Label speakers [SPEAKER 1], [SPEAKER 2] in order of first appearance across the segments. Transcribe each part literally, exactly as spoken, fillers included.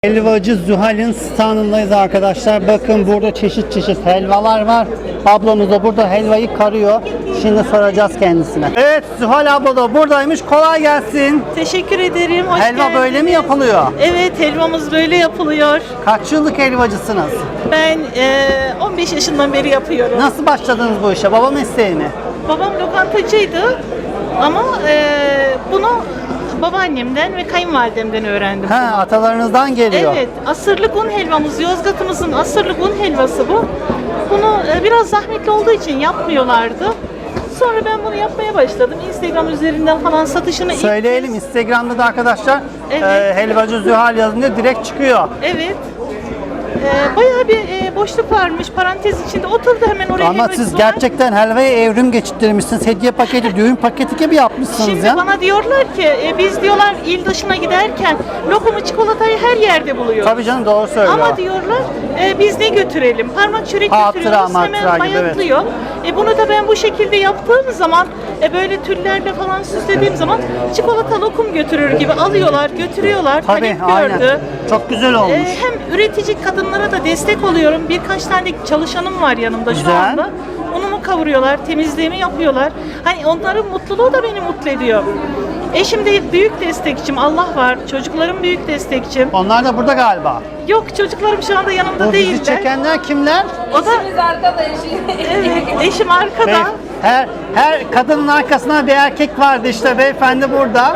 [SPEAKER 1] Helvacı Zuhal'in standındayız arkadaşlar. Bakın burada çeşit çeşit helvalar var. Ablamız da burada helvayı karıyor. Şimdi soracağız kendisine. Evet, Zuhal abla da buradaymış. Kolay gelsin.
[SPEAKER 2] Teşekkür ederim. Hoş
[SPEAKER 1] Helva
[SPEAKER 2] geldiniz.
[SPEAKER 1] böyle mi yapılıyor?
[SPEAKER 2] Evet, helvamız böyle yapılıyor.
[SPEAKER 1] Kaç yıllık helvacısınız?
[SPEAKER 2] Ben e, on beş yaşından beri yapıyorum.
[SPEAKER 1] Nasıl başladınız bu işe? Baba mesleği mi?
[SPEAKER 2] Babam lokantacıydı ama e, bunu babaannemden ve kayınvalidemden öğrendim.
[SPEAKER 1] Ha, atalarınızdan geliyor.
[SPEAKER 2] Evet, asırlık un helvamız, Yozgat'ımızın asırlık un helvası bu. Bunu e, biraz zahmetli olduğu için yapmıyorlardı. Sonra ben bunu yapmaya başladım. Instagram üzerinden falan satışını ilk
[SPEAKER 1] Söyleyelim,
[SPEAKER 2] kez-
[SPEAKER 1] Instagram'da da arkadaşlar
[SPEAKER 2] Evet.
[SPEAKER 1] e, helvacı Zuhal yazınca direkt çıkıyor.
[SPEAKER 2] Evet. Ee, bayağı bir e, boşluk varmış. Parantez içinde oturdu hemen oraya.
[SPEAKER 1] Ama
[SPEAKER 2] helvacı
[SPEAKER 1] siz
[SPEAKER 2] var.
[SPEAKER 1] gerçekten helvaya evrim geçirmişsiniz. Hediye paketi, düğün paketi gibi yapmışsınız
[SPEAKER 2] Şimdi
[SPEAKER 1] ya.
[SPEAKER 2] bana diyorlar ki e, biz diyorlar il dışına giderken lokumu çikolatayı her yerde buluyoruz.
[SPEAKER 1] Tabii canım, doğru söylüyor.
[SPEAKER 2] Ama diyorlar e, biz ne götürelim? Parmak çörek
[SPEAKER 1] Hatıra,
[SPEAKER 2] götürüyoruz
[SPEAKER 1] matıra
[SPEAKER 2] hemen
[SPEAKER 1] gibi, evet.
[SPEAKER 2] bayatlıyor. E, bunu da ben bu şekilde yaptığım zaman e, böyle tüllerle falan süslediğim zaman çikolata lokum götürür gibi alıyorlar, götürüyorlar.
[SPEAKER 1] Tabii,
[SPEAKER 2] Talep
[SPEAKER 1] aynen.
[SPEAKER 2] gördü.
[SPEAKER 1] Çok güzel
[SPEAKER 2] E,
[SPEAKER 1] olmuş.
[SPEAKER 2] hem üretici kadınlara da destek oluyorum. Birkaç tane çalışanım var yanımda şu
[SPEAKER 1] Güzel.
[SPEAKER 2] anda. Unumu kavuruyorlar, temizliğimi yapıyorlar. Hani onların mutluluğu da beni mutlu ediyor. Eşim de büyük destekçim, Allah var. Çocuklarım büyük destekçim.
[SPEAKER 1] Onlar da burada galiba.
[SPEAKER 2] Yok, çocuklarım şu anda yanımda
[SPEAKER 1] Bu bizi
[SPEAKER 2] değiller.
[SPEAKER 1] çekenler kimler?
[SPEAKER 2] O da evet, eşim arkada.
[SPEAKER 1] Bey, her her kadının arkasında bir erkek vardı, işte beyefendi burada.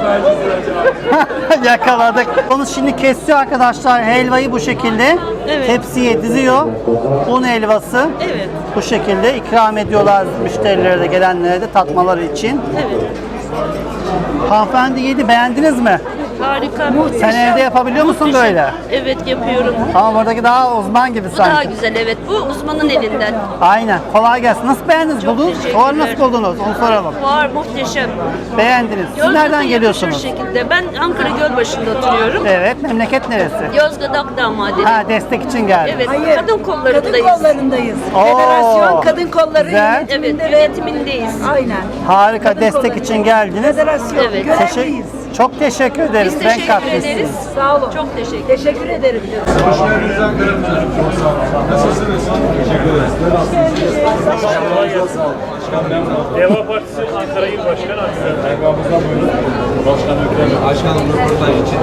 [SPEAKER 1] Yakaladık. Onu şimdi kesiyor arkadaşlar, helvayı bu şekilde
[SPEAKER 2] Evet.
[SPEAKER 1] tepsiye diziyor. Un helvası.
[SPEAKER 2] Evet.
[SPEAKER 1] Bu şekilde ikram ediyorlar müşterilere de, gelenlere de tatmaları için.
[SPEAKER 2] Evet.
[SPEAKER 1] Hanımefendi yedi, beğendiniz mi?
[SPEAKER 3] Harika.
[SPEAKER 1] Sen evde yapabiliyor musun böyle?
[SPEAKER 3] Evet, yapıyorum.
[SPEAKER 1] Ama buradaki daha uzman gibi
[SPEAKER 3] Bu daha
[SPEAKER 1] sanki.
[SPEAKER 3] güzel, evet. Bu uzmanın elinden.
[SPEAKER 1] Aynen. Kolay gelsin. Nasıl beğendiniz?
[SPEAKER 3] Çok
[SPEAKER 1] Buldunuz.
[SPEAKER 3] teşekkürler.
[SPEAKER 1] Fuarı nasıl buldunuz? Onu soralım.
[SPEAKER 3] Var, muhteşem.
[SPEAKER 1] Beğendiniz. Siz
[SPEAKER 3] Yozgat'a
[SPEAKER 1] nereden
[SPEAKER 3] yakışır
[SPEAKER 1] geliyorsunuz?
[SPEAKER 3] şekilde. Ben Ankara Gölbaşı'nda oturuyorum.
[SPEAKER 1] Evet. Memleket neresi?
[SPEAKER 3] Yozgat Akdağ Madeni.
[SPEAKER 1] Ha, destek için geldim.
[SPEAKER 3] Evet,
[SPEAKER 4] Hayır,
[SPEAKER 3] kadın kollarındayız.
[SPEAKER 4] Kadın kollarındayız.
[SPEAKER 1] Oo,
[SPEAKER 4] Federasyon kadın kolları
[SPEAKER 1] güzel.
[SPEAKER 3] Evet,
[SPEAKER 4] yönetiminde ve
[SPEAKER 3] yönetimindeyiz.
[SPEAKER 4] aynen.
[SPEAKER 1] Harika.
[SPEAKER 4] Kadın
[SPEAKER 1] destek
[SPEAKER 4] kolları.
[SPEAKER 1] için geldiniz.
[SPEAKER 4] Federasyon
[SPEAKER 3] Evet.
[SPEAKER 1] Teşekkür,
[SPEAKER 4] görevliyiz.
[SPEAKER 1] çok teşekkür ederiz.
[SPEAKER 3] Biz
[SPEAKER 1] Renk
[SPEAKER 3] teşekkür
[SPEAKER 1] katmışsınız.
[SPEAKER 3] ederiz.
[SPEAKER 4] Sağ olun.
[SPEAKER 3] Çok teşekkür
[SPEAKER 4] Teşekkür ederim.
[SPEAKER 5] Deva Partisi Ankara İl Başkanı Aziz
[SPEAKER 6] Başkanım röportaj için.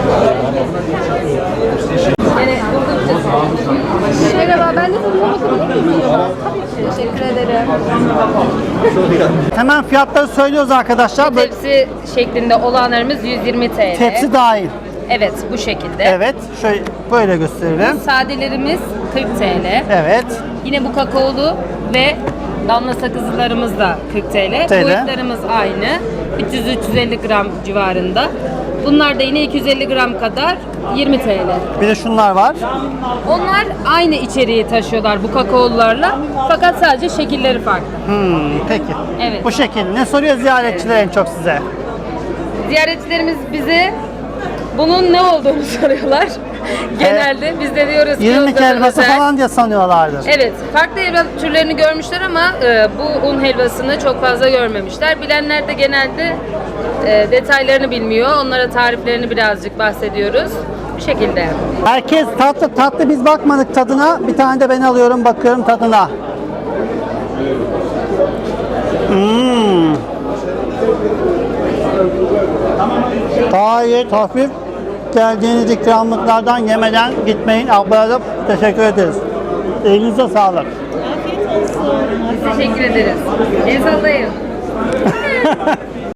[SPEAKER 7] Merhaba, ben de sizinle bakabilir miyim? Teşekkür ederim.
[SPEAKER 1] Hemen fiyatları söylüyoruz arkadaşlar. Böyle
[SPEAKER 7] Tepsi şeklinde olanlarımız yüz yirmi T L.
[SPEAKER 1] tepsi dahil.
[SPEAKER 7] Evet, bu şekilde.
[SPEAKER 1] Evet. Şöyle böyle gösterelim.
[SPEAKER 7] Sadelerimiz kırk T L.
[SPEAKER 1] Evet.
[SPEAKER 7] Yine bu kakaolu ve damla sakızlarımız da kırk T L.
[SPEAKER 1] T L.
[SPEAKER 7] Boyutlarımız aynı. üç yüz üç yüz elli gram civarında. Bunlar da yine iki yüz elli gram kadar yirmi T L.
[SPEAKER 1] Bir de şunlar var.
[SPEAKER 7] Onlar aynı içeriği taşıyorlar bu kakaolularla. Fakat sadece şekilleri farklı.
[SPEAKER 1] Hmm, peki.
[SPEAKER 7] Evet.
[SPEAKER 1] Bu şekilde. Ne soruyor ziyaretçiler en çok size?
[SPEAKER 7] Ziyaretçilerimiz bize bunun ne olduğunu soruyorlar. Genelde biz de diyoruz ki
[SPEAKER 1] İrmik
[SPEAKER 7] Yozgat'a
[SPEAKER 1] helvası
[SPEAKER 7] özel.
[SPEAKER 1] falan diye sanıyorlardır.
[SPEAKER 7] Evet, farklı helva türlerini görmüşler ama e, bu un helvasını çok fazla görmemişler. Bilenler de genelde e, detaylarını bilmiyor. Onlara tariflerini birazcık bahsediyoruz. Bu şekilde.
[SPEAKER 1] Herkes tatlı tatlı, biz bakmadık tadına. Bir tane de ben alıyorum, bakıyorum tadına. Hmm. Gayet hafif. Geldiğiniz ikramlıklardan yemeden gitmeyin. Ablaya da teşekkür ederiz. Elinize sağlık.
[SPEAKER 2] Afiyet olsun.
[SPEAKER 7] Teşekkür ederiz. El sallayın.